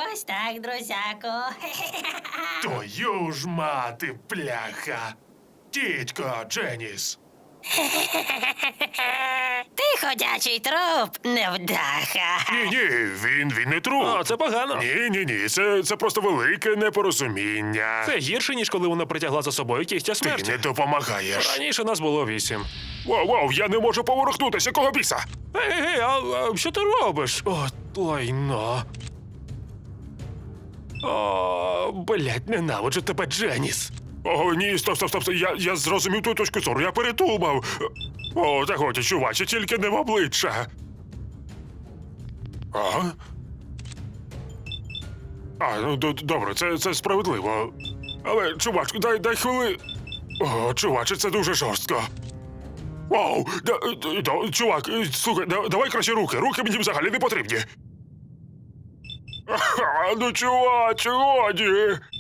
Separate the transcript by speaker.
Speaker 1: Ось так, друзяко.
Speaker 2: Твою ж мати, пляха. Тітько, Дженіс.
Speaker 1: Ти ходячий труп, невдаха.
Speaker 2: Ні, він не труп.
Speaker 3: О, це погано.
Speaker 2: Ні, це просто велике непорозуміння.
Speaker 3: Це гірше, ніж коли вона притягла за собою кігтя
Speaker 2: Ти
Speaker 3: смерті.
Speaker 2: не допомагаєш.
Speaker 3: Раніше нас було 8.
Speaker 2: Воу, я не можу поворухнутися, кого біса?
Speaker 3: Ей, а що ти робиш? О, лайно. О, блядь, ненавиджу тебе, Дженіс.
Speaker 2: О, ні, стоп. Я зрозумів ту точку зору, я передумав. О, та годі, чуваче, тільки не в обличчя. Ну добре, це справедливо. Але, чувачку, дай хвили. О, чуваче, це дуже жорстко. Вау, чувак, слухай, давай краще руки. Руки мені взагалі не потрібні. Ну, чуваче, годі.